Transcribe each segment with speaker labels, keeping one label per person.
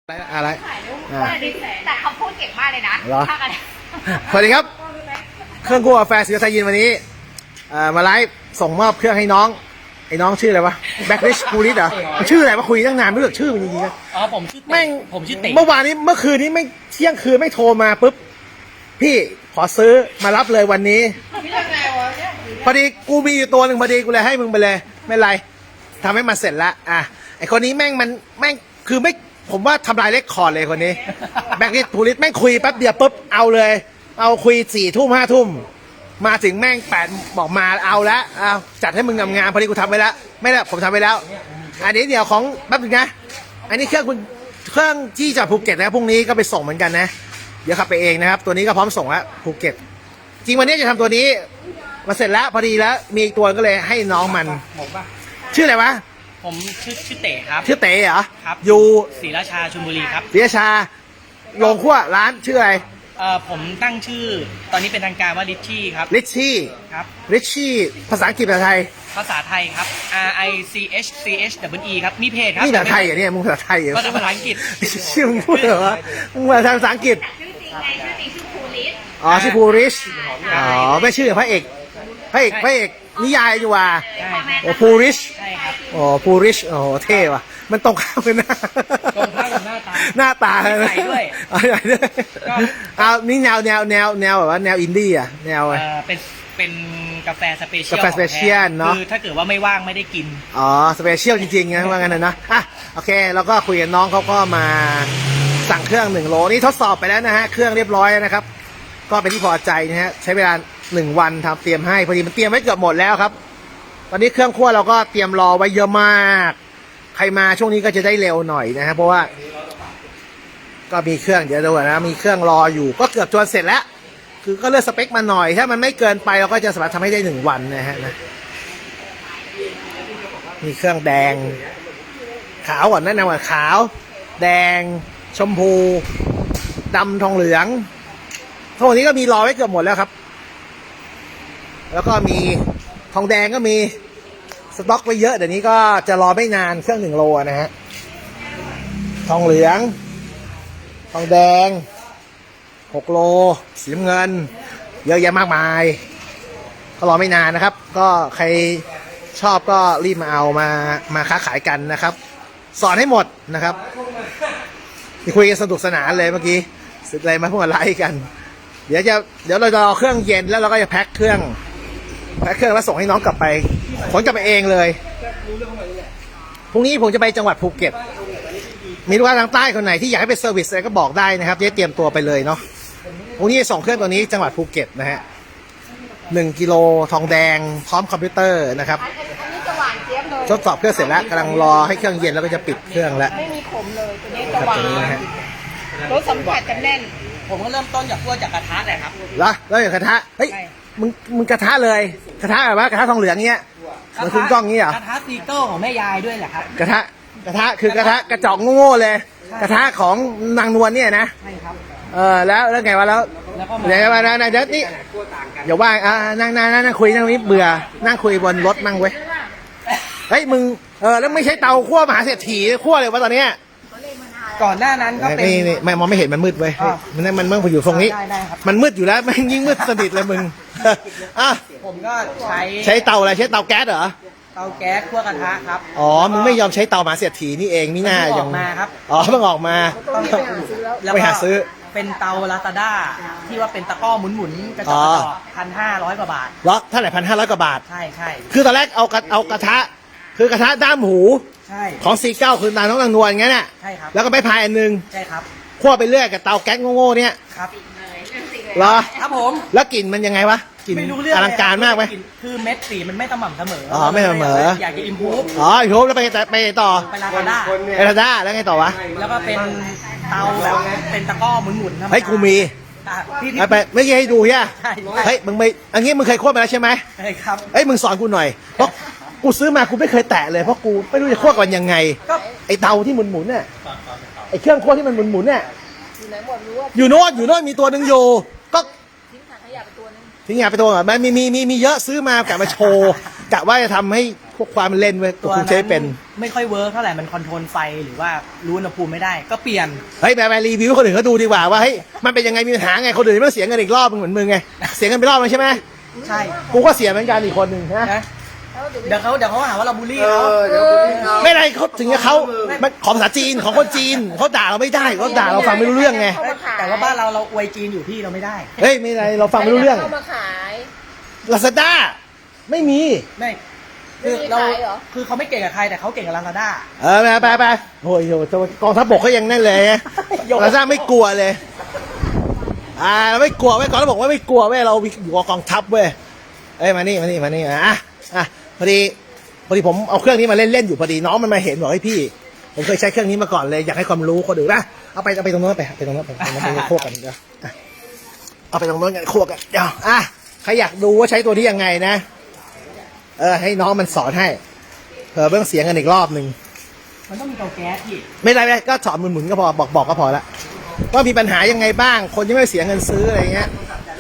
Speaker 1: อะไร
Speaker 2: แต่เขาพูดเก่งมากเลยนะ
Speaker 1: เหรอ
Speaker 2: ภาคอะไร
Speaker 1: สวัสดีครับเครื่องคั่วกาแฟสีไทยยินวันนี้มาไลฟ์ส่งมอบเครื่องให้น้องไอ้น้องชื่ออะไรวะแบ็คริชพูลิสเหรอชื่ออะไรวะคุยตั้งนานไม่รู้จักชื่อมันจริงๆนะ
Speaker 3: อ๋อผมชื่อ
Speaker 1: แม่ง
Speaker 3: ผมชื่อเต๋
Speaker 1: เมื่อคืนนี้ไม่เที่ยงคืนไม่โทรมาปุ๊บพี่ขอซื้อมารับเลยวันนี้พอดีกูมีอยู่ตัวหนึ่งพอดีกูเลยให้มึงไปเลยไม่เป็นไรทำให้มันเสร็จละไอคนนี้แม่งคือไม่ผมว่าทำลายเรคคอร์ดเลยคนนี้แบ็คริชพูลิสแม่งคุยแป๊บเดียวปุ๊บเอาเลยเอาคุย4 ทุ่ม 5 ทุ่มมาถึงแม่ง8บอกมาเอาละเอาจัดให้มึงงามๆพอดีกูทำไว้แล้วไม่ได้ผมทำไว้แล้วอันนี้เดี๋ยวของแป๊บนึงนะอันนี้เครื่องที่จากภูเก็ตนะพรุ่งนี้ก็ไปส่งเหมือนกันนะเดี๋ยวขับไปเองนะครับตัวนี้ก็พร้อมส่งแล้วภูเก็ตจริงวันนี้จะทำตัวนี้มาเสร็จแล้วพอดีแล้วมีอีกตัวก็เลยให้น้องมันชื่ออะไรวะ
Speaker 3: ผมชื่อเต๋ครับ
Speaker 1: ชื่อเต๋เหรอ
Speaker 3: ครับ
Speaker 1: อยู่
Speaker 3: ศรีราชาชลบุรีครับ
Speaker 1: ศรีราชาโรงคั่วร้านชื่ออะไร
Speaker 3: ผมตั้งชื่อตอนนี้เป็นทางการว่าริชชี่ครับ
Speaker 1: ริชชี่
Speaker 3: ครับ
Speaker 1: ริชชี่ภาษาอังกฤษภาษาไทย
Speaker 3: ภาษาไทยครับ RICHCHE ครับมีเพจครับ
Speaker 1: นี่ภาษาไทยเหรอเนี่ยมึงภาษาไทยเหรอ
Speaker 3: ก็ภาษาอังกฤษ
Speaker 1: ชื่อมึงพูดเหรอมึงภาษาอังกฤษ
Speaker 2: ชื่อจริงไงชื่อจริงชื่อภูริศ
Speaker 1: อ๋อชื่อภูริชอ๋อไม่ชื่อพระเอกนิยายอยู่ว่ะโอ้ภูริช
Speaker 3: ใช่ครับ
Speaker 1: โอ้ภูริชโอ้เท่ว่ะมันตรงข้ามกันนะ
Speaker 3: ตรงข้ามกับ
Speaker 1: หน้าตา
Speaker 3: ใส่ด้วย
Speaker 1: ใส่ด้วยเอานี่แนวแบบว่าแนวอินดี้อ่ะแนว
Speaker 3: เป็นกาแฟสเปเชียล
Speaker 1: เนาะ
Speaker 3: คือถ้าเกิดว่าไม่ว่างไม่ได้กิน
Speaker 1: อ๋อสเปเชียลจริงๆนะว่างั้นนะโอเคแล้วก็คุยกับน้องเขาก็มาสั่งเครื่อง1 โลนี่ทดสอบไปแล้วนะฮะเครื่องเรียบร้อยนะครับก็เป็นที่พอใจนะฮะใช้เวลา1 วันทำเตรียมให้พอดีมันเตรียมไว้เกือบหมดแล้วครับตอนนี้เครื่องคั่วเราก็เตรียมรอไว้เยอะมากใครมาช่วงนี้ก็จะได้เร็วหน่อยนะฮะเพราะว่าก็มีเครื่องเดี๋ยวดูนะมีเครื่องรออยู่ก็เกือบจนเสร็จแล้วคือก็เลือกสเปคมาหน่อยถ้ามันไม่เกินไปเราก็จะสามารถทำให้ได้1 วันนะฮะมีเครื่องแดงขาวก่อนแนะนำว่าขาวแดงชมพูดำทองเหลืองทั้งหมดนี้ก็มีรอไว้เกือบหมดแล้วครับแล้วก็มีทองแดงก็มีสต็อกไว้เยอะเดี๋ยวนี้ก็จะรอไม่นานเครื่อง1 โลนะฮะทองเหลืองทองแดง6 โลสีน้ำเงินเยอะแยะมากมายก็รอไม่นานนะครับก็ใครชอบก็รีบมาเอามาค้าขายกันนะครับสอนให้หมดนะครับที่คุยกันสนุกสนานเลยเมื่อกี้สุดเลยมาพูดอะไรกันเดี๋ยวเราจะรอเครื่องเย็นแล้วเราก็จะแพ็คเครื่องแล้วส่งให้น้องกลับไปขนกลับไปเองเลยพรุ่งนี้ผมจะไปจังหวัดภูเก็ตมีลูกค้าทางใต้คนไหนที่อยากให้ไปเซอร์วิสอะไรก็บอกได้นะครับจะเตรียมตัวไปเลยเนาะพรุ่งนี้ส่งเครื่องตัวนี้จังหวัดภูเก็ตนะฮะ1 กิโลทองแดงพร้อมคอมพิวเตอร์นะครับ
Speaker 2: อันนี้จะหวานเจี๊ยบเลย
Speaker 1: ทดสอบเครื่องเสร็จแล้วกำลังรอให้เครื่องเย็นแล้วก็จะปิดเครื่องแล้ว
Speaker 2: ไม่มีขมเลยตัวนี้จะหวานรสสัมผัสจะแน่น
Speaker 3: ผมก็เริ่มต้นจากคั่วจากกระทะแหละครับ
Speaker 1: แล้วอย่างกระทะเฮ้ยมึงกระทะเลยกระทะแบบว่ากระทะทองเหลืองเงี้ยเหมือนคุณกล้องงี้เหรอก
Speaker 3: ระทะซีเกิลของแม่ยายด้วยแหละครับ
Speaker 1: กระทะคือกระทะกระจอกโง่ๆเลยกระทะของนางนวลเนี่ยนะ
Speaker 3: ใช่ครับ
Speaker 1: แล้วไงวะแล้วเดี๋ยวมาเดี๋ยวนี่อย่าว่างนั่งคุยนั่งนี้เบื่อนั่งคุยบนรถมั่งเว้ยเฮ้ยมึงแล้วไม่ใช่เตาคั่วมหาเศรษฐีคั่วเลยวะตอนเนี้ย
Speaker 3: ก่อนหน้านั้นก็เป็น
Speaker 1: นี่ไม่มองไม่เห็นมันมืดเว้ยมันเมื่ออยู่ตรงนี้มันมืดอยู่แล้วมันยิ่งมืดสนิทเลยมึง
Speaker 3: ผมก็
Speaker 1: ใช้เตาอะไรใช้เตาแก๊สเหรอ
Speaker 3: เตาแก๊สคั่วกระทะครับ
Speaker 1: อ๋อมึงไม่ยอมใช้เตามหาเศรษฐีนี่เองนี่น่า
Speaker 3: ยังมาครับ
Speaker 1: เพิ่งออกมาไปหาซื้อ
Speaker 3: เป็นเตาลาซาด้าที่ว่าเป็นตะก้อหมุนกระจก1,500 กว่าบาท
Speaker 1: เหรอเท่าไหร่1,500 กว่าบาท
Speaker 3: ใช่
Speaker 1: คือตอนแรกเอากระทะคือกระทะด้ามหูของ49คือตาน้องนางนวลงั้นน่ะ
Speaker 3: ใช่ครับ
Speaker 1: แล้วก็ไม่พายอันนึง
Speaker 3: ใช่ครับ
Speaker 1: คั่วไปเรื่อยกับเตาแก๊สโง่ๆเนี่ย
Speaker 3: ครับ
Speaker 1: เหรอ
Speaker 3: ครับผม
Speaker 1: แล้วกลิ่นมันยังไงวะกลิ่นอลังการมากไหม
Speaker 3: คือเม็ดสีมันไม่สม่ำเสมอ
Speaker 1: ไม่เสมอ
Speaker 3: อยากจะอิมพูฟ
Speaker 1: อิมพูฟแล้วไปต่อ
Speaker 3: ไปลาซาด้
Speaker 1: าแล้วไงต่อวะ
Speaker 3: แล้วก็เป็นเตาแบบเป็นตะก้อหมุน
Speaker 1: เฮ้ยกูมีไปไม่ใช่ให้ดูใช่ไหมเฮ้ยมึงไม่อันนี้มึงเคยคั่วมาแล้วใช่ไหม
Speaker 3: ใช่ครับ
Speaker 1: เฮ้ยมึงสอนกูหน่อยเพราะกูซื้อมากูไม่เคยแตะเลยเพราะกูไม่รู้จะคั่วกันยังไงไอเตาที่หมุนเนี่ยไอเครื่องคั่วที่มันหมุนเนี่ยอยู่โน่นมีตัวหนึ่งอยู่ก็ทิ้งขยะไปตัวนึงทิ้งขยะไปตัวมันมีเยอะซื้อมากะมาโชว์กะว่าจะทำให้พวกความเล่นเว้ยกูใช้เป็น
Speaker 3: ไม่ค่อยเวิร์กเท่าไหร่มันคอนโทรลไฟหรือว่ารู้อุณหภูมิไม่ได้ก็เปลี่ยน
Speaker 1: เฮ้ยไปรีวิวให้คนอื่นเขาดูดีกว่าว่าเฮ้ยมันเป็นยังไงมีปัญหาไงคนอื่นไม่ต้องเสียเงินอีกรอบเหมือนมึงไงเสียเงินไปรอบนึงใช่ไหม
Speaker 3: ใช่
Speaker 1: กูก็เสียเหมือนกันอีกคนหนึ่งนะ
Speaker 3: นะเดี๋ยวเขาหาว่าเราบูลลี่เขา
Speaker 1: ไม่ได้เขาถึงกับเขามันของภาษาจีนของคนจีนเขาด่าเราไม่ได้เขาด่าเราฟังไม่รู้เรื่องไง
Speaker 3: แต่ว่าบ้านเราอวยจีนอยู่พี่เราไม่ได้
Speaker 1: เฮ้ยไม่ไรเราฟังไม่รู้เรื่อง
Speaker 2: เข้ามาขาย
Speaker 1: ลาซาด้าไม่มี
Speaker 3: ไม่คือเรา
Speaker 2: ไม่มีขายเหรอ
Speaker 3: คือเขาไม่เก่งกับใครแต่เขาเก่งกับลาซาด้า
Speaker 1: ไปโอ้ยกองทัพบกเขายังนั่นเลยลาซาด้าไม่กลัวเลยเราไม่กลัวเว้ยก่อนเราบอกว่าไม่กลัวเว้ยเราอยู่กับกองทัพเว้ยเอ้ยมานี่พอดีผมเอาเครื่องนี้มาเล่นอยู่พอดีน้องมันมาเห็นบอกให้พี่ผมเคยใช้เครื่องนี้มาก่อนเลยอยากให้ความรู้คนอื่นนะเอาไปตรงโน้นไปตรงโน้นไปโคกกันเดี๋ยวเอาไปตรงโน้นกันโคกกันเดี๋ยวใครอยากดูว่าใช้ตัวนี้ยังไงนะให้น้องมันสอนให้เผื่อเบื้องเสียงกันอีกรอบหนึ่ง
Speaker 3: มันต้องมีเตาแก๊สพี่
Speaker 1: ไม่ได้ก็สอนหมุนๆก็พอบอกก็พอละว่ามีปัญหายังไงบ้างคนยังไม่เสียเงินซื้ออะไรเงี้ย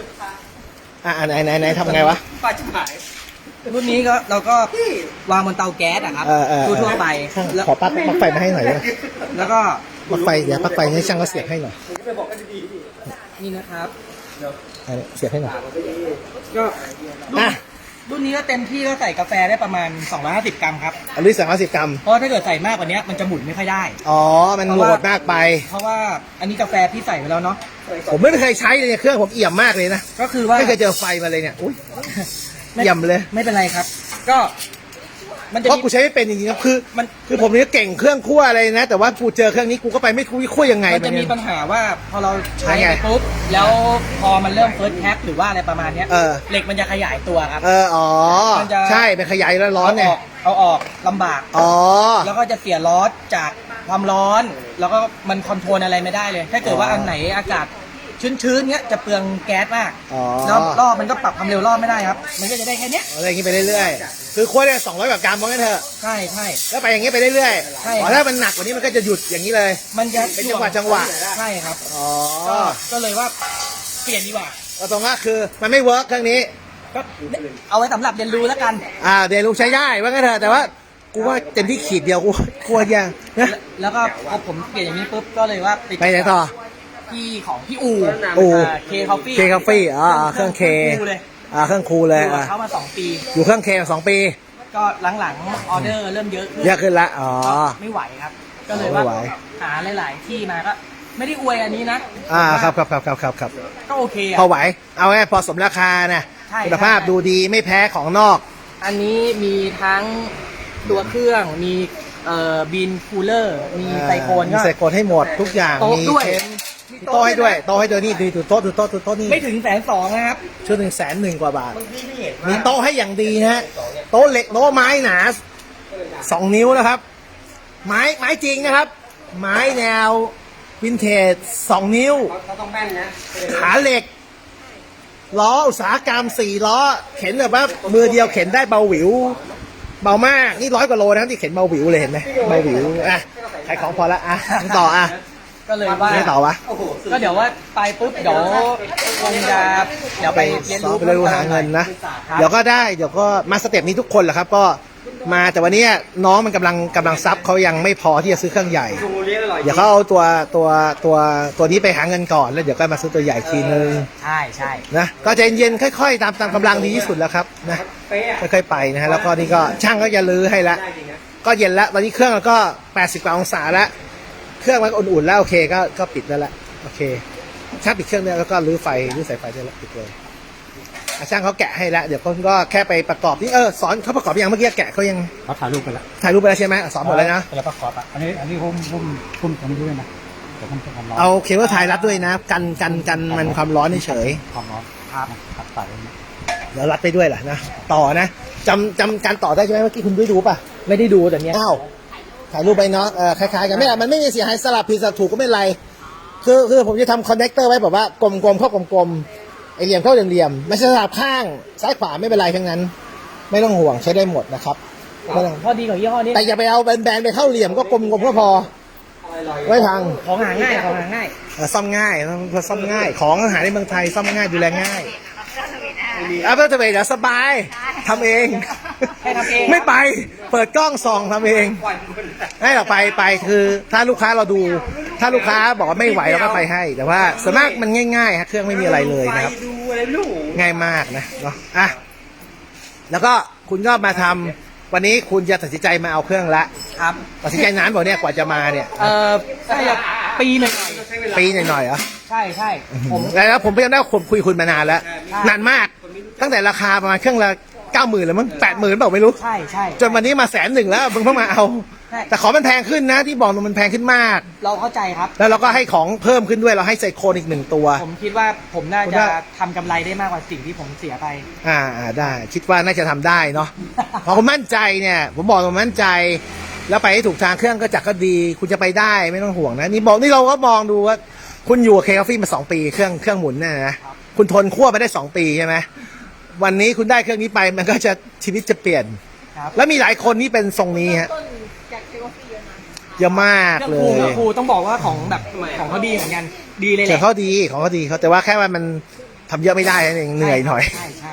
Speaker 1: ไหนทำไงวะ
Speaker 3: ป้าชิบหายรุ่นนี้ก็เราก็วางบนเตาแก๊สอะครับทั่วไปแล้ว
Speaker 1: ขอปลั๊กไฟมาให้หน่อยได้ไหม
Speaker 3: แล้วก็
Speaker 1: ปลั๊กไฟเดี๋ยวปลั๊กไฟให้ช่างเขาเสียบให้หน่อย
Speaker 3: นี่นะครับ
Speaker 1: เสียบให้หน่อย
Speaker 3: ก็
Speaker 1: อ่ะ
Speaker 3: รุ่นนี้ก็เต็มที่ก็ใส่กาแฟได้ประมาณ250 กรัมครับ
Speaker 1: อันนี้250 กรัม
Speaker 3: เพราะถ้าเกิดใส่มากกว่านี้มันจะหมุนไม่ค่อยได้
Speaker 1: อ๋อมันโหลดมากไป
Speaker 3: เพราะว่าอันนี้กาแฟพี่ใส่ไปแล้วเนาะ
Speaker 1: ผมไม่เคยใช้เลยเนี่ยเครื่องผมเอี่ยมมากเลยนะ
Speaker 3: ก็คือว่า
Speaker 1: ไม่เคยเจอไฟมาเลยเนี่ยอุ้ยเอี่ยมเลย
Speaker 3: ไม่เป็นไรครับ ก็มันจะ
Speaker 1: เพราะ
Speaker 3: มี
Speaker 1: กูใช้ไม่เป็นจริงๆครับคือ
Speaker 3: มัน
Speaker 1: คือผมเนี่ยเก่งเครื่องคั่วอะไรนะแต่ว่ากูเจอเครื่องนี้กูก็ไปไม่รู้คั่วยังไง
Speaker 3: มันจะมี
Speaker 1: เนี่ย
Speaker 3: ปัญหาว่าพอเราใช้
Speaker 1: ยังไง
Speaker 3: ไปปุ๊บแล้วพอมันเริ่มเฟิร์สแท็กหรือว่าอะไรประมาณเนี้ย
Speaker 1: เออ
Speaker 3: เหล็กมันจะขยายตัวครับ
Speaker 1: อ๋อ
Speaker 3: มันจะ
Speaker 1: ใช่เป็นขยายแล้วร้อนไง
Speaker 3: เอาออกลำบาก
Speaker 1: อ๋อ
Speaker 3: แล้วก็จะเสียลอสจากความร้อน แล้วก็มันคอนโทรลอะไรไม่ได้เลย ถ้าเกิดว่าอันไหนอากาศชื้นๆเงี้ยจะเปลืองแก๊สมาก
Speaker 1: อ๋อ
Speaker 3: แล้วรอบมันก็ปรับความเร็วรอบไม่ได้ครับ มันก็จะได้แค่เนี้ย
Speaker 1: อะไรอย่างนี้ไปเรื่อยๆคือคั่วได้200 กว่ากรัมว่างั้นเถอะ
Speaker 3: ใช่ใช่
Speaker 1: แล้วไปอย่างนี้ไปเรื่อย
Speaker 3: ใช่
Speaker 1: ๆอ๋อถ้ามันหนักกว่านี้มันก็จะหยุดอย่างนี้เลย
Speaker 3: มันจะ
Speaker 1: เป็นจังหวะ
Speaker 3: ใช่ครับ
Speaker 1: อ๋อ
Speaker 3: ก็เลยว่าเปลี่ยนดีกว่า
Speaker 1: ก็ตรงก็คือมันไม่เวิร์กเครื่องนี้
Speaker 3: ก็เอาไว้สำหรับเรียนรู้แล้วกัน
Speaker 1: เดี๋ยวลูกใช้ได้ว่างั้นเถอะแต่ว่ากูว่าเต็มที่ขีดเดียวกูกลัวยังนะ
Speaker 3: แล้วก็พอผมเปลี่ยนอย่างนี้ปุ๊บก็เลยว่า
Speaker 1: ไปไหนต่อ
Speaker 3: ที่ของพี่อู เคคอฟฟี่
Speaker 1: เคคาเฟ่เครื่องเค
Speaker 3: คูเลย
Speaker 1: เครื่องคูลเลย
Speaker 3: อยู่กับเขามา2 ปี
Speaker 1: อยู่เครื่องเค2 ปี
Speaker 3: ก็หลังๆออเดอร์เริ่มเยอะขึ้น
Speaker 1: เยอะขึ้นละอ๋อ
Speaker 3: ก็ไม่ไหวครับ ก็เลยว่า
Speaker 1: ไม่ไหว
Speaker 3: หาหลายๆที่มาก็ไม่ได้อวยอันนี้นะ
Speaker 1: ครับ
Speaker 3: ก็โอเค
Speaker 1: พอ
Speaker 3: อะ
Speaker 1: ไหวเอาไงพอสมราคานะ
Speaker 3: ใช่
Speaker 1: คุณภาพ
Speaker 3: ใช่
Speaker 1: ดูดีไม่แพ้ของนอก
Speaker 3: อันนี้มีทั้งตัวเครื่องมีบินคูลเลอร์มีไซโคน
Speaker 1: มี
Speaker 3: ก็
Speaker 1: ไซโคนให้หมดทุกอย่าง
Speaker 3: โต๊ะ
Speaker 1: มี
Speaker 3: ด้วย
Speaker 1: เค้นมีโต๊ะให้ด้วยโต๊ะให้ด้วยนี่ดูโต๊ะนี่
Speaker 3: ไม่ถึง120,000นะครับ
Speaker 1: ชุด100,000 กว่าบาท มีโต๊ะให้อย่างดีนะฮะโต๊ะเหล็กโต๊ะไม้หนา2 นิ้วนะครับ ไม้จริงนะครับ ไม้แนววินเทจ2 นิ้วขาเหล็กล้ออุตสาหกรรม4 ล้อ เข็นแบบว่ามือเดียวเข็นได้เบาหวิว เบามากนี่100 กว่าโลนะครับที่เข็นเบาหวิวเลยเห็นไหมเบาหวิวขายของพอละต่อ
Speaker 3: ก็เลยว่า
Speaker 1: ไม่ต่อวะ
Speaker 3: ก็เดี๋ยวว่าไปปุ๊บเดี๋ยวคงจะเดี๋ยวไปเรียนรู้
Speaker 1: ไปเรียนรู้หาเงินนะ เดี๋ยวก็ได้เดี๋ยวก็มาสเต็ปนี้ทุกคนแหละครับก็มาแต่วันนี้น้องมันกำลังซับเขายังไม่พอที่จะซื้อเครื่องใหญ่ เดี๋ยวเขาเอาตัวนี้ไปหาเงินก่อนแล้วเดี๋ยวก็มาซื้อตัวใหญ่ทีนึง
Speaker 3: ใช่ใช่
Speaker 1: นะก็ใจเย็นๆค่อยๆตามกำลังดีที่สุดแล้วครับนะค่อยๆไปนะฮะแล้วก็นี่ก็ช่างก็จะลื้อให้ละก็เย็นแล้วตอนนี้เครื่องก็80 กว่าองศาแล้วเครื่องมันอุ่นๆแล้วโอเคก็ปิดแล้วละโอเคช่างปิดเครื่องเนี่ยแล้วก็รื้อสายไฟได้แล้วปิดเลยช่างเขาแกะให้แล้วเดี๋ยวเขาก็แค่ไปประกอบนี่สอนเขาประกอบยังเมื่อกี้แกะเขายัง
Speaker 4: เขาถ่ายรูปไปแล้ว
Speaker 1: ถ่ายรูปไปแล้วใช่ไหมสอนหมดเลยนะ
Speaker 4: แล้วก็ขอบอ่ะอันนี้หุ้มตรงนี้ด้วยนะเดี๋ยวมันจะความร้อน
Speaker 1: เอาเคเบิลไทยรัดด้วยนะกันมันความร้อนเฉย
Speaker 4: ความร้อนครับใส่ไว้นะ
Speaker 1: เดี๋ยวรัดไปด้วยล่ะนะต่อนะจำการต่อได้ใช่ไหมเมื่อกี้คุณได้ดูป่ะ
Speaker 3: ไม่ได้ดูแต่เนี้ย
Speaker 1: อ้าวถ่ายรูปไปเนาะคล้ายๆกันไม่เป็นไรมันไม่มีเสียหายสลับผิดสลับถูกก็ไม่เป็นไรคือผมจะทำคอนเนคเตอร์ไว้แบบว่ากลมๆเข้ากลมๆไอเหลี่ยมเข้าเหลี่ยมๆไม่ใช่สลับข้างซ้ายขวาไม่เป็นไรทั้งนั้น ไม่ต้องห่วงใช้ได้หมดนะครับไม่ต้อง
Speaker 3: ข้อดีของยี่ห้อนี้
Speaker 1: แต่อย่าไปเอาแบนๆไปเข้าเหลี่ยมก็กลมๆก็พอไว้พัง
Speaker 3: ของหาง่ายของหาง่าย
Speaker 1: ซ่อมง่ายของอาหารในเมืองไทยซ่อมง่ายดูแลง่ายเอาไปเถอะเดี๋ยวสบายทำเอง
Speaker 3: ให้ทำเอง
Speaker 1: ไม่ไปเปิดกล้องส่องทำเองให้เราไปคือถ้าลูกค้าเราดู ถ้าลูกค้าบอกว่าไม่ไหวเราก็ไปให้ แต่ว่าส่วนมากมันง่ายๆฮะเครื่องไม่มีอะไรเลยนะครับ
Speaker 2: ดูอะไรลูก
Speaker 1: ง่ายมากนะเนาะอ่ะแล้วก็คุณก็มาทำวันนี้คุณจะตัดสินใจมาเอาเครื่องละ
Speaker 3: ครับ
Speaker 1: ตัดสินใจนานบอกเนี่ยกว่าจะมาเนี่ย
Speaker 3: น่าจะปีหนึ่ง
Speaker 1: ปีหน่อยๆเหรอ
Speaker 3: ใช่ใช่ผม
Speaker 1: แล้วผมพยายามได้ผมคุยคุณมานานแล้ว นานมาก ตั้งแต่ราคาประมาณเครื่องละ90,000แล้วมั้ง80,000เปล่าไม่รู้
Speaker 3: ใช่ใช่
Speaker 1: จนวันนี้มา100,000แล้วมึงเพิ่งมาเอา
Speaker 3: ใช่
Speaker 1: แต่ของมันแพงขึ้นนะที่บอกมันแพงขึ้นมาก
Speaker 3: เราเข้าใจครับ
Speaker 1: แล้วเราก็ให้ของเพิ่มขึ้นด้วยเราให้ไซโคนอีก1ตัว
Speaker 3: ผมคิดว่าผมน่า
Speaker 1: คุณ
Speaker 3: จะ
Speaker 1: ว่า
Speaker 3: ทำกำไรได้มากกว่าสิ่งที่ผมเสียไป
Speaker 1: ได้ คิดว่าน่าจะทำได้เนาะ พอคุณมั่นใจเนี่ย ผมบอกผมมั่นใจ แล้วไปให้ถูกทางเครื่องก็จักก็ดี คุณจะไปได้ไม่ต้องห่วงนะนี่บอกนี่เราก็มองดูว่า คุณอยู่กับเคคาฟี่มา2 ปีเครื่องหมุนเนี่ยนะคุณทนคั่วไปได้2 ปีใช่ไหมวันนี้คุณได้เครื่องนี้ไปมันก็จะชีวิตจะเปลี่ยน
Speaker 3: ครับ
Speaker 1: แล้วมีหลายคนที่เป็นทรงนี้ฮะ
Speaker 2: ต้นจากเทวฟีเยอะนะ
Speaker 1: เยอะมาก
Speaker 3: เครื่อง
Speaker 1: เล
Speaker 3: ครู
Speaker 1: ย
Speaker 3: ครูต้องบอกว่าของแบบของเขาดีเหมือนกัน ดีเลยแห
Speaker 1: แต่
Speaker 3: ละ
Speaker 1: เขาดีของเขาดีเขาแต่ว่าแค่ว่ามันทำเยอะไม่ได้นั่นเองเหนื่อยหน่อย
Speaker 3: ใช่ใช่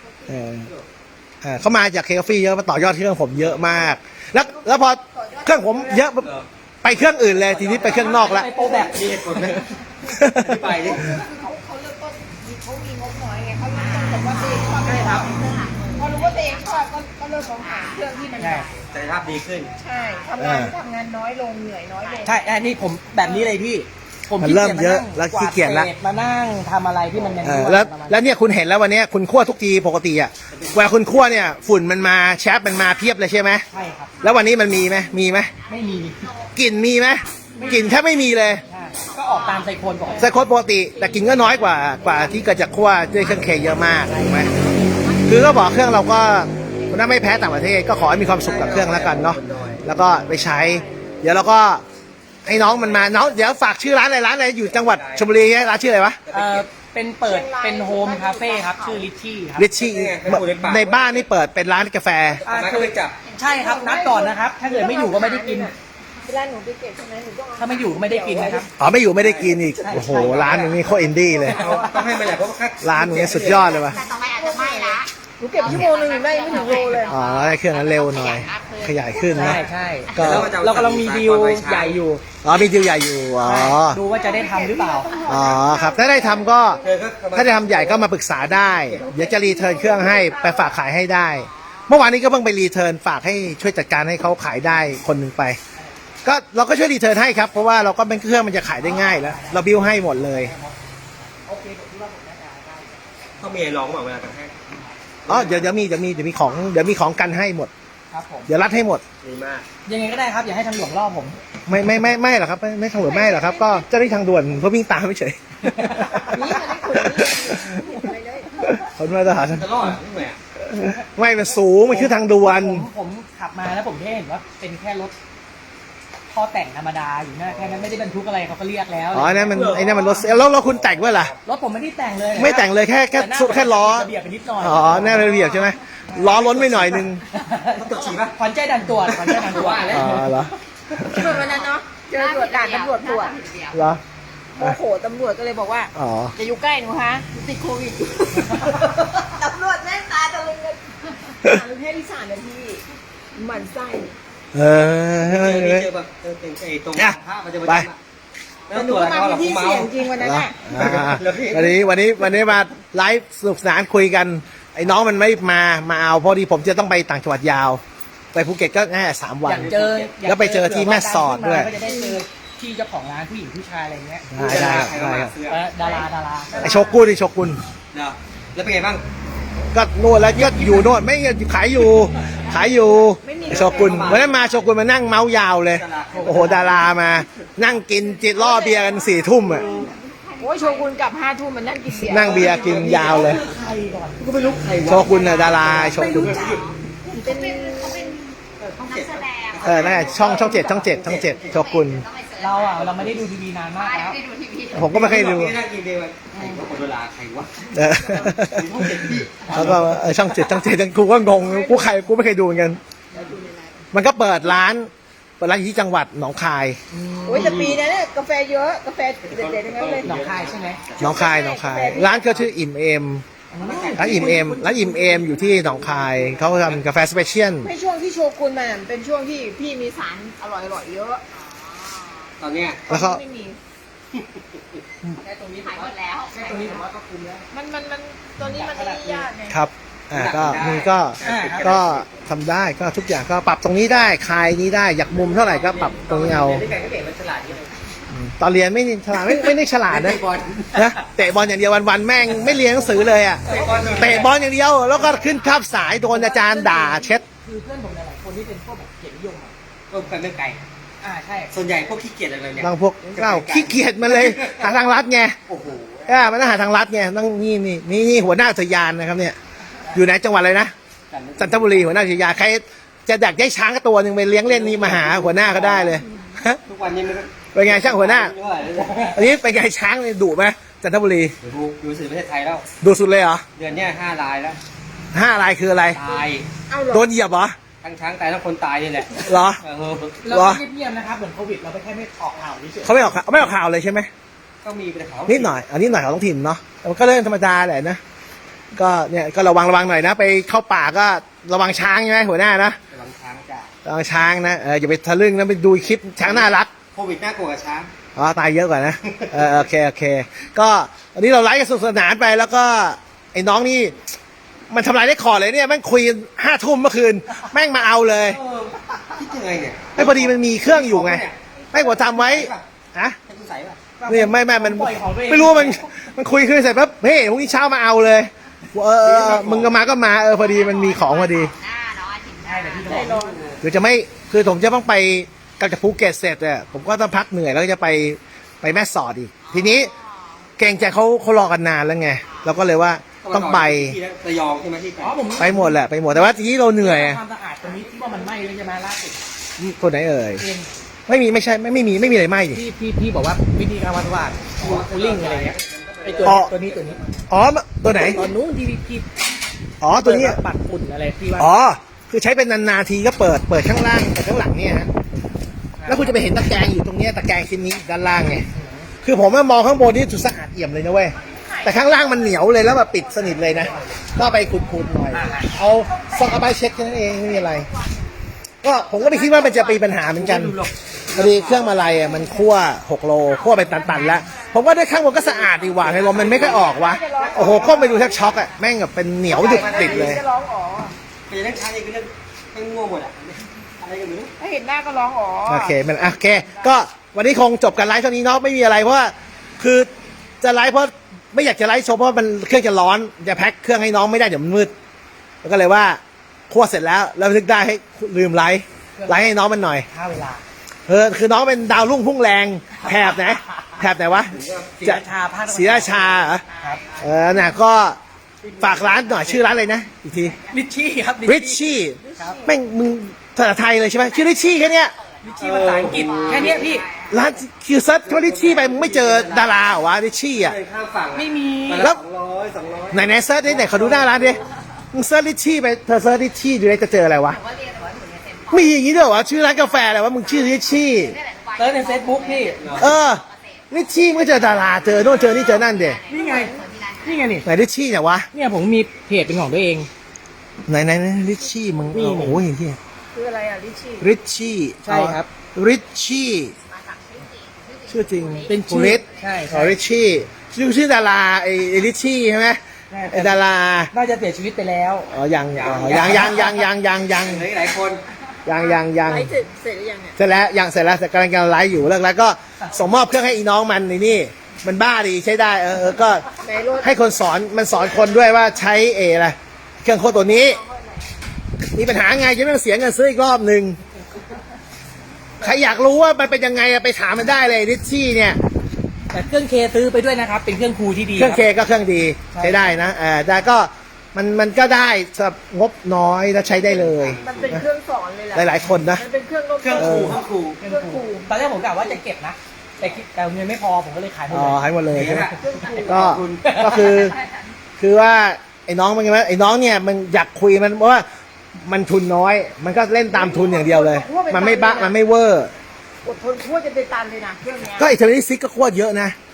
Speaker 1: เขามาจากเคคาฟี่เยอะมาต่อยอดเครื่องผมเยอะมาก แล้วพอเครื่องผมเยอะไปเครื่องอื่นเลยทีนี้ไปเครื่องนอกแล้ว
Speaker 3: ไปโปรแบบ
Speaker 2: คือเขาเริ่มต้นเขามีงบน้อยไงเขาเริ่มต้นแบบว่าตัวเองชอบไม่ทำพอรู้ว่าตัวเองชอบก็เริ่มมองหาเครื่องที่มัน
Speaker 3: ใช่
Speaker 5: ศักยภาพดีขึ้น
Speaker 2: ใช่ทำงานน้อยลงเหนื่อยน้อยลง
Speaker 3: ใช่อันนี้ผมแบบนี้เลยพี่ ผม
Speaker 1: มัน
Speaker 3: ขี้
Speaker 1: เริ่
Speaker 3: เกี
Speaker 1: ม
Speaker 3: ยจ
Speaker 1: เยอะ
Speaker 3: มานั่ง
Speaker 1: แล้วขี้เกียจละ
Speaker 3: วาดศษมานั่งทำอะไรที่มันยัง
Speaker 1: แล้วเนี่ยคุณเห็นแล้ววันนี้คุณคั่วทุกทีปกติอ่ะเวลาคุณคั่วเนี่ยฝุ่นมันมาแชปมันมาเพียบเลยใช่ไหม
Speaker 3: ใช่ครับ
Speaker 1: แล้ววันนี้มันมีไหมมีไหม
Speaker 3: ไม่มี
Speaker 1: กลิ่นมีไหมกลิ่นแทบไม่มีเลย
Speaker 3: ใช่ก็ออกตามไซโคนก่อน
Speaker 1: ไซโคตปกติ แต่กลิ่นก็น้อยกว่าที่เกิดจากคั่วด้วยเครื่องเคเยอะมากถูกไหมคือก็บอกเครื่องเราก็ถ้าไม่แพ้ต่างประเทศ ก็ขอให้มีความสุขกับเครื่องแล้วกันเนาะแล้วก็ไปใช้ เดี๋ยวเราก็ให้น้องมันมาน้องเดี๋ยวฝากชื่อร้านอะไรอยู่จังหวัดชลบุรีร้านชื่ออะไรวะ
Speaker 3: เป็นเปิดเป็นโฮมคาเฟ่ครับ ชื่อลิชชี่ครับ
Speaker 1: ริชชี่ในบ้านนี่เปิดเป็นร้านกาแฟ
Speaker 3: คือใช่ครับนัดก่อนนะครับ ถ้าเกิดไม่อยู่ก็ไม่ได้กิน
Speaker 2: เวลาหนูไปเก็บใช่ไหมหนูต้องเอา
Speaker 3: ถ้าไม่อยู่ก็ไม่ได้กินนะครับ
Speaker 1: อ๋อไม่อยู่ไม่ได้กินอีกโอ้โหร้านมึงนี่โคตรอินดี้เลย
Speaker 5: ต้องให้มันแหละเพราะว่า
Speaker 1: ร้านมึงนี่สุดยอดเลยว่ะ
Speaker 2: หนูเก็บชั่วโมงนึงหนูได้ไม่ถึงโลเลย
Speaker 1: อ๋อได้เครื่องนั้นเร็วหน่อย ขยายขึ้น
Speaker 3: ใช่
Speaker 1: นะ
Speaker 3: ใช่
Speaker 1: ก็
Speaker 3: เรากำลังมีดีลใหญ่อยู่
Speaker 1: อ๋อมีดีลใหญ่อยู่อ๋อ
Speaker 3: ดูว่าจะได้ทำหรือเปล่า
Speaker 1: อ๋อครับถ้าได้ทำก็ถ้าได้ทำใหญ่ก็มาปรึกษาได้เดี๋ยวจะรีเทิร์นเครื่องให้ไปฝากขายให้ได้ เมื่อวานนี้ก็เพิ่งไปรีเทิร์นฝากให้ช่วยจัดการให้เขาขายได้คนหนึ่งไป ก็เราก็ช่วยรีเทิร์นให้ครับเพราะว่าเราก็เป็นเครื่องมันจะขายได้ง่ายแล้วเราบิวให้หมดเลย
Speaker 5: ต้องมีไอ้ร้องบอกเวลากันให้
Speaker 1: อ๋อเดี๋ยวมีของกันให้หมด
Speaker 3: ครับผม
Speaker 1: เดี๋ยวรัดให้หมมด
Speaker 5: ดีมาก
Speaker 3: ยังไงก็ได้ครับ อย่าให้ทางหลวงล่อผม
Speaker 1: ไม่หรอกครับไม่ทางด่วนไม่หรอกครับ ก็เจ้าหน้าที่ทางด่วนเขาวิ่งตามไม่เฉย
Speaker 2: นี่มันได้ขุดนี่ไปเลย
Speaker 1: คนมาตรฐาน
Speaker 5: จะรอดไม่ไหวอ่ะ
Speaker 1: ไม่มันสูงมันคือทางด่วน
Speaker 3: ผมขับมาแล้วผมแค่เห็นว่าเป็นแค่รถท่อแต่งธรรมดาอยู่นะแค่นั้นไม่ได้บรรทุกอะไรเขาก็เรียกแล้ว
Speaker 1: อ๋อนั่นมันรถแล้วคุณแต่งไว้ล่ะ
Speaker 3: รถผมไม่ได้แต่งเลย
Speaker 1: ไม่แต่งเลยแค่
Speaker 3: แต่หน้า
Speaker 1: แค่ล้อ
Speaker 3: ระเบียบไปนิดหน่อย
Speaker 1: อ๋อแน่ระเบียบใช่ไหมล้อล้นไปหน่อยนึง
Speaker 5: ต้องตรวจฉี่ป่ะ
Speaker 3: ขวัญใจดันตรวจขวัญใจดันตรวจ
Speaker 1: อ๋อเหรอ
Speaker 2: เหมือนวันนั้นเนาะเจอตรวจด่านตำรวจตรวจ
Speaker 1: เหรอ
Speaker 2: โมโหตำรวจก็เลยบอกว่า
Speaker 1: อ๋อ
Speaker 2: จะอยู่ใกล้หนูฮะหนูติดโควิดอยู่ ตำรวจแม่งตาตะลึงกันหาแค่ที่3 นาทีหมันไส้
Speaker 1: เออ
Speaker 5: เจอแบบเป็นไอ้ตรง
Speaker 1: เนี่ย
Speaker 5: ผ้ามันจะ
Speaker 1: ไป
Speaker 5: ไม่ต้องตรวจอะไรเขาหรอก
Speaker 2: ที่
Speaker 5: เมา
Speaker 2: เสี่ยงจริงวันนั้น
Speaker 1: เหรอ
Speaker 2: น่ะ
Speaker 1: วันนี้มาไลฟ์สนุกสนานคุยกัน ไอ้น้องมันไม่มาเอาพอดีผมจะต้องไปต่างจังหวัดยาว ไปภูเก็ตก็แค่3 วั
Speaker 3: อน ยากเจอ
Speaker 1: แล้วไปเจอที่แม่สอดด้วย
Speaker 3: ก็จะได้เจอที่เจ้าของร้านผู้หญิงผู้ชายอะไรเงี้ย
Speaker 1: ได้
Speaker 5: ใครก็มาเสื้อ
Speaker 3: ดารา
Speaker 1: ไอโชกุนไอโชกุน
Speaker 5: เนาะแล้วเป็นไงบ้าง
Speaker 1: ก็นวดแล้วก็อยู่โน่นไม่ขายอยู่ไอโชกุนวันนั้นมาโชกุนมานั่งเมาส์ยาวเลย โอ้โหดารามา นั่งกินจิตล่อเบียร์กัน4 ทุ่มอ่ะ
Speaker 2: โอ้ยโชกุนกลับ5 ทุ่มมันนั่งกินเบียร์
Speaker 1: นั่งเบียร์กินยาวเลย
Speaker 5: ก็ไม่รู้ใคร
Speaker 1: โชกุนน่ะดาราโชกุน นั่นไงช่อง7โชกุน
Speaker 3: เราไม่ได้ดูทีวีนานมากแล้ว
Speaker 1: ผมก็ไม่เคยดู
Speaker 5: นั่งกินเบียร์ใครว่าคนดาราใครวะ
Speaker 1: เออแล้วก็ช่อง7กูก็งงกูไม่เคยดูเหมือนกัน มันก็เปิดร้านอยู่ที่จังหวัดหนองคาย
Speaker 2: โอ้ยแต่ปีนั้นเนี่ยกาแฟเยอะกาแฟเด็ดๆทั้งนั้นเลย
Speaker 3: หนองคายใช่ไหม
Speaker 1: หนองคายร้านก็ชื่ออิ่มเอมร้านอิ่มเอมร้านอิ่มเอมอยู่ที่หนองคายเขาทำกาแฟสเปเชียล
Speaker 2: ไม่ช่วงที่โชกุนมาเป็นช่วงที่พี่มีสารอร่อยๆเยอะ
Speaker 5: ตอนเนี้ย
Speaker 1: แล้วก็
Speaker 2: ไม่มี
Speaker 3: แค่ตรงนี้
Speaker 2: ขายหมดแล้ว
Speaker 3: แค่ตรงนี้ผมว่าก็คุ้มแล้ว
Speaker 2: มันตัวนี้มันไม่ยากไง
Speaker 1: ครับก็นี่ก็ทำได้ก็ทุกอย่างก็ปรับตรงนี้ได้คลายนี้ได้อยากมุมเท่าไหร่ก็ปรับตรงนี้เอา
Speaker 5: นี่ไก่ก็เก่งมันฉลาดนี่เลย
Speaker 1: ตอนเรียนไม่ฉลาดไม่ได้ฉลาดนะ
Speaker 5: เตะบอล
Speaker 1: นะเตะบอลอย่างเดียววันๆแม่งไม่เรียนหนังสือเลยอ่ะ
Speaker 5: เตะบอล
Speaker 1: เตะบอลอย่างเดียวแล้วก็ขึ้นคาบสายโดนอาจารย์ด่าเช็ด
Speaker 3: คือเพื่อนผมหลายๆคนที่เป็นพวกแบบเกียรตินิยมอะ
Speaker 5: ก็เป็นเรื่องไก่
Speaker 3: ใช่
Speaker 5: ส่วนใหญ่พวกขี้เกียจอะไรเนี่ย
Speaker 1: บางพวกเล่าขี้เกียจมันเลยหาทางลัดไง
Speaker 5: โอ้โห
Speaker 1: มันต้องหาทางลัดไงต้องนี่หัวหน้าอุทยานนะครับเนี่ยอยู่ในจังหวัดอะไรนะจันทบุรีหัวหน้าอุทยานใครจะดักได้ช้างตัวหนึ่งไปเลี้ยงเล่นนี่มาหาหัวหน้าก็ได้เลย
Speaker 5: ทุกวันนี้มันก็
Speaker 1: เป็นไงช่างหัวหน้า
Speaker 5: ไม่เท่าไหร่เลย
Speaker 1: อันนี้เป็นไงช้างเลยดุไหมจันทบุรี
Speaker 5: ดูสื่อประเทศไทยแล้ว
Speaker 1: ดุสุดเลยเหรอ
Speaker 5: เดือนเนี้ย5 รายแล้ว
Speaker 1: 5 รายคืออะไร
Speaker 5: ตาย
Speaker 2: เอาเหรอ
Speaker 1: โดนเหยียบเหรอ
Speaker 5: ทั้งช้างตายทั้งคนตายนี่แหละ
Speaker 1: เหรอ
Speaker 3: เรา
Speaker 1: เหรอ
Speaker 3: ไม่เงียบๆนะครับเหมือนโควิดเราไปแค่ไม่ออกข่าวเฉย
Speaker 1: เขาไม่ออกข่าวเลยใช่ไหม
Speaker 5: ก็มีเป็นเขา
Speaker 1: นิดหน่อยอันนี้หน่อยของท้องถิ่นเนาะแต่มันก็เรื่องธรรมดาแหละนะก็เนี่ยก็ระวังหน่อยนะไปเข้าป่าก็ระวังช้างใช่ไหมหัวหน้านะ
Speaker 5: ระวังช้างจ้ะ
Speaker 1: ระวังช้างนะอย่าไปทะลึ่งนะไปดูคลิปช้างน่ารัก
Speaker 5: โควิดน่ากลัวกับช้าง
Speaker 1: อ๋อตายเยอะกว่านะโอเคก็วันนี้เราไลฟ์กันสนุกสนานไปแล้วก็ไอ้น้องนี่มันทำลายได้คอร์ดเลยเนี่ยแม่งคุย5 ทุ่มเมื่อคืนแม่งมาเอาเลย
Speaker 5: คิดยังไงเนี่ย
Speaker 1: ไอ้พอดีมันมีเครื่องอยู่ไงแม่งกว่าทำไว้อะ
Speaker 5: ให้คุณใส่ป่ะ
Speaker 1: เนี่ยไม่มันไม่รู้ว่ามันคุยคืนเสร็จปั๊บเฮ้ยพรุ่งนี้เช้ามาเอาเลยมึงก็มาพอดีมันมีของพอดี
Speaker 3: ๆใช่แต่ที่
Speaker 2: ใจ
Speaker 3: ต้อง
Speaker 2: ร้อน
Speaker 1: คือจะไม่คือผมจะต้องไปกลับจากภูเก็ตเสร็จเนี่ยผมก็ต้องพักเหนื่อยแล้วก็จะไปแม่สอดอีกทีนี้เกรงใจเขารอกันนานแล้วไงเราก็เลยว่าต้องไป
Speaker 5: ที่ระยองใช่ไหมที่ไป
Speaker 3: อ๋อผม
Speaker 1: ไปหมดแหละไปหมดแต่ว่าทีนี้เราเหนื่อย
Speaker 3: ความสะอาดตรงนี้ที่ว่ามันไหม้เลยใช่ไหมล่าสุด
Speaker 1: คนไหนเอ่ย
Speaker 3: เอง
Speaker 1: ไม่มีอะไรไหมดิ
Speaker 3: พี่บอกว่าวิธีการวัดว่าคูลิ่งอะไรเงี้ยไอตัว
Speaker 1: อ๋อ
Speaker 3: ตัวนี้
Speaker 1: อ๋อตัวไหน
Speaker 3: ตอนนู้นที่พี่
Speaker 1: อ๋อตัวนี้
Speaker 3: ปัดฝุ่นอะไรที่ว่า
Speaker 1: อ๋อคือใช้เป็นนานๆทีก็เปิดข้างล่างเปิดข้างหลังเนี่ยฮะแล้วคุณจะไปเห็นตะแกรงอยู่ตรงเนี้ยตะแกรงชิ้นนี้ด้านล่างไงคือผมมองข้างบนนี่สุดสะอาดเอี่ยมเลยนะเว้ยแต่ข้างล่างมันเหนียวเลยแล้วแบบปิดสนิทเลยนะก็ไปขุดๆหน่อยเอาซอกเอาไปเช็คแค่นั้นเองไม่มีอะไร ก็ผมก็ไม่คิดว่ามันจะมีปัญหาเหมือนกันพอดีเครื่องมาลัยมันคั่ว6 โลคั่วไปตันๆแล้วผมว่าด้วยข้างบนก็สะอาดดีกว่าไงลมมันไม่ค่อยออกวะโอ้โหก้มไปดูแทบช็อกอะแม่งแบบเป็นเหนียวดึกติดเลย
Speaker 2: จะร้องอ๋อ
Speaker 5: เป็นเรื่องช้างนี่คือเรื่องให้ง่วงหมดอ่ะอะไรกันไม่รู้
Speaker 2: ถ้าเห็นหน้าก็ร้องอ๋อ
Speaker 1: โอเคก็วันนี้คงจบกันไลฟ์เท่านี้เนาะไม่มีอะไรเพราะว่าคือจะไลฟ์เพราะไม่อยากจะไลฟ์โชว์เพราะมันเครื่องจะร้อนจะแพ็คเครื่องให้น้องไม่ได้เดี๋ยวมันมืดแล้วก็เลยว่าคั่วเสร็จแล้วนึกได้ให้ลืมไลฟ์ให้น้องมันหน่อย
Speaker 3: ค่าเวลา
Speaker 1: คือน้องเป็นดาวรุ่งพุ่งแรงแถบไหนวะ
Speaker 3: ศรีราชาภาคตะวันออก
Speaker 1: ศรีราชาเหรอ
Speaker 3: ครับ
Speaker 1: น่ะก็ฝากร้านหน่อยชื่อร้านอะไรนะอีกที
Speaker 3: ริชชี่ครับ
Speaker 1: ริชชี่แม่งมึงภาษาไทยเลยใช่ไหมชื่อริชชี่แค่เนี้ย
Speaker 3: ริชชี่ภาษาอังกฤษแค่เนี้ยพี่
Speaker 1: ร้านคือเซิร์ชว่าริชชี่ไปมึงไม่เจอดาราเหรอวะริชชี่อ่ะ
Speaker 5: เดินข้ามฝั่ง
Speaker 3: ไม่มี
Speaker 1: แล้ว
Speaker 5: 200
Speaker 1: ไหนเซิร์ชดิไหนเขาดูหน้าร้านดิมึงเซิร์ชริชชี่ไปเธอเซิร์ชริชชี่ดูได้จะเจออะไรวะมีอย่างนี้ด้วยเหรอวะชื่อร้านกาแฟอะไรวะมึงชื่อริชชี่
Speaker 3: เซิร์ชในเฟซบุ๊กพี่
Speaker 1: ริชชี่มึงก็เจอดาราเจอโน่นเจอนี่เจอนั่นเด
Speaker 3: นี่ไงนี่
Speaker 1: ไหนริชชี่เนี่ยวะ
Speaker 3: เนี่ยผมมีเพจเป็นของตัวเอง
Speaker 1: ไหนริชชี่มึง
Speaker 3: นี่
Speaker 1: โอ้ยเฮีย
Speaker 2: คืออะไรอ่ะลิชี่
Speaker 1: ริชชี่
Speaker 3: ใช่ครับ
Speaker 1: ริชชี่ชื่อจริง
Speaker 3: เป็นชื่อ
Speaker 1: ริช
Speaker 3: ใช่
Speaker 1: ริชชี่ชื่อดาราไอ้ริชชี่ใช่ไหม
Speaker 3: ใช่
Speaker 1: ไอ้ดารา
Speaker 3: น่าจะเสียชีวิตไปแล้ว
Speaker 1: อ๋อยัง
Speaker 5: ยั
Speaker 1: ยัง
Speaker 5: ง
Speaker 1: ยัง
Speaker 5: เหลืออีกหลายคน
Speaker 2: ไลฟ์เสร็จหรือยังเนี่ย
Speaker 1: เสร็จแล้วยังเสร็จแล้วแต่กำลังไลฟ์อยู่เลิกแล้วก็ส่งมอบเครื่องให้อีน้องมันนี่มันบ้าดีใช้ได้ก็
Speaker 2: ในรถ
Speaker 1: ให้คนสอนมันสอนคนด้วยว่าใช้อะไรเครื่องโคตรตัวนี้ มีปัญหาไงจะไม่ต้องเสียเงินซื้ออีกรอบหนึ่งใครอยากรู้ว่ามันเป็นยังไงไปถามมันได้เลยริชชี่เนี่ย
Speaker 3: แต่เครื่องเคซื้อไปด้วยนะครับ เป็นเครื่องครูที่ดี
Speaker 1: เครื่องเค
Speaker 3: คบ
Speaker 1: ก็เครื่องดี
Speaker 3: ใช่
Speaker 1: ใช้ได้นะแต่ก็มันก็ได้สำหรับงบน้อยแล้วใช้ได้เลย
Speaker 2: มันเป็นเครื่องสอนเลยแหละ
Speaker 1: หลายๆคนนะ
Speaker 2: มันเป็นเครื่อง
Speaker 5: เครื่องครูเครื่องครู
Speaker 2: เครื่องครู
Speaker 3: ตอนแรกผมกะว่าจะเก็บนะ แต่เงินไม่พอผมก็เลยขายหมด
Speaker 1: อ๋อ
Speaker 3: เลย
Speaker 1: ให้หมดเลยใช่ไหม
Speaker 2: เครื่องครู
Speaker 1: ก็คือว่าไอ้น้องมันไงไอ้น้องเนี่ยมันอยากคุยมันเพราะว่ามันทุนน้อย มันก็เล่นตามทุนอย่างเดียวเลย มันไม่บ้ามันไม่เวอร์
Speaker 2: อดทนคั่วจะเป็นตันเลยนะเครื่องเนี้ย
Speaker 1: ก็ไอ้เทอร์นิซิกก็โคตรเยอะนะ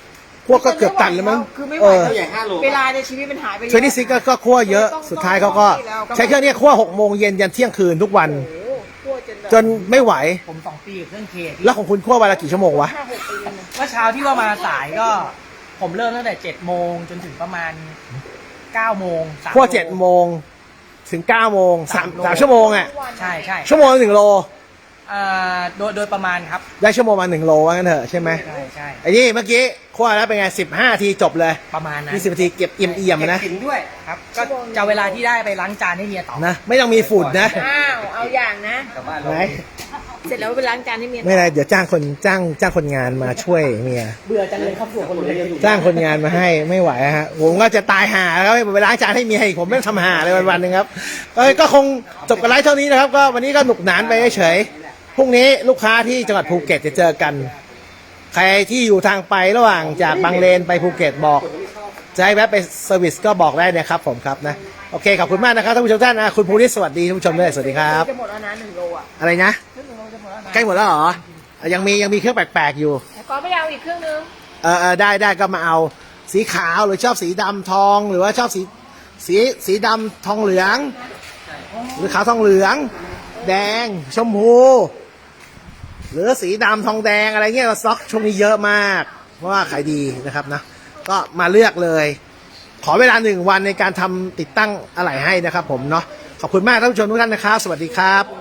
Speaker 1: พวกก็เกือบตันแล้วมั้ง
Speaker 2: คือไม่ไหว
Speaker 5: ตัวใหญ่5 โล
Speaker 2: เวลาในชีวิตมันหายไปเยอะ
Speaker 1: เทรนนิ่งก็คั่วเยอะสุดท้ายเขาก็ใช้เครื่องนี้คั่ว6 โมงเย็นยันเที่ยงคืนทุกวัน
Speaker 2: โอ้โหคั่วจนแบบ
Speaker 1: จนไม่ไหว
Speaker 3: ผม2 ปีกับเครื่องเค
Speaker 1: แล้วของคุณคั่ววันละกี่ชั่วโมงวะ
Speaker 2: 5-6 ปีนะ
Speaker 3: เมื่อเช้าที่ว่ามาสายก็ ผมเริ่มตั้งแต่7 โมงจนถึงประมาณ9 โมง3
Speaker 1: คั่ว
Speaker 3: โล
Speaker 1: 7 โมงถึง9 โมง3
Speaker 3: 3
Speaker 1: 3 ชั่วโมงอ่ะ
Speaker 3: ใช่ใช่
Speaker 1: ชั่วโมงละ1 โล
Speaker 3: โดยประมาณครับ
Speaker 1: ได้ชั่วโมงมา1 โลว่างั้นเถอะใช่ไหม
Speaker 3: ใช่ใช่
Speaker 1: ไอ้นี่เมื่อกี้คั่วแล้วเป็นไง15 นาทีจบเลย
Speaker 3: ประมาณนั้น
Speaker 1: 20 นาทีเก็บเอี่ยมๆนะ
Speaker 5: กินด้วย
Speaker 3: ครับก็จะเอาเวลาที่ได้ไปล้างจานให้เมียต่อ
Speaker 1: นะไม่ต้องมีฝุ่นนะ
Speaker 2: อ้าวเอาอย่างนะ
Speaker 5: กลับบ้าน
Speaker 1: ไหน
Speaker 2: เสร็จแล้วไปล้างจานให้เมีย
Speaker 1: ไม่ได้เดี๋ยวจ้างคนงานมาช่วยเมีย
Speaker 3: เบื่อจังเลยครับผัวคนเดียว
Speaker 1: จ้างคนงานมาให้ไม่ไหวฮะผมก็จะตายห่าแล้วไปล้างจานให้เมียอีกผมไม่ต้องทำห่าเลยวันๆหนึงครับก็คงจบกันไลฟ์เท่านี้นะครับก็วันนี้ก็หนุกหนานไปเฉยๆพรุ่งนี้ลูกค้าที่จังหวัดภูเก็ตจะเจอกัน ใครที่อยู่ทางไประหว่างจากบางเลนไปภูเก็ตบอกจะให้แวะไปเซอร์วิสก็บอกได้นะครับผมครับนะโอเคขอบคุณมากนะครับท่านผู้ชมท่านนะคุณภูริศสวัสดีท่านผู้ชมด้วยสวัสดีครับ
Speaker 2: จะหมดแล้วนะ1 โลอ่ะ
Speaker 1: อะไรนะ
Speaker 2: ครึ่ง 1 โลจะหมดแล้วนะ
Speaker 1: ใกล้หมดแล้วเหรอยังมีเครื่องแปลกๆอยู่
Speaker 2: แต่ก็ไม่เอาอีกครึ่งนึง
Speaker 1: ได้ก็มาเอาสีขาวหรือชอบสีดำทองหรือว่าชอบสีดำทองเหลือง หรือขาวทองเหลือง แดงชมพูหรือสีดำทองแดงอะไรเงี้ยสต็อกช่วงนี้เยอะมากเพราะว่าขายดีนะครับนะก็มาเลือกเลย ขอเวลา1 วันในการทำติดตั้งอะไหล่ให้นะครับผมเนาะขอบคุณมากท่านผู้ชมทุกท่านนะครับสวัสดีครับ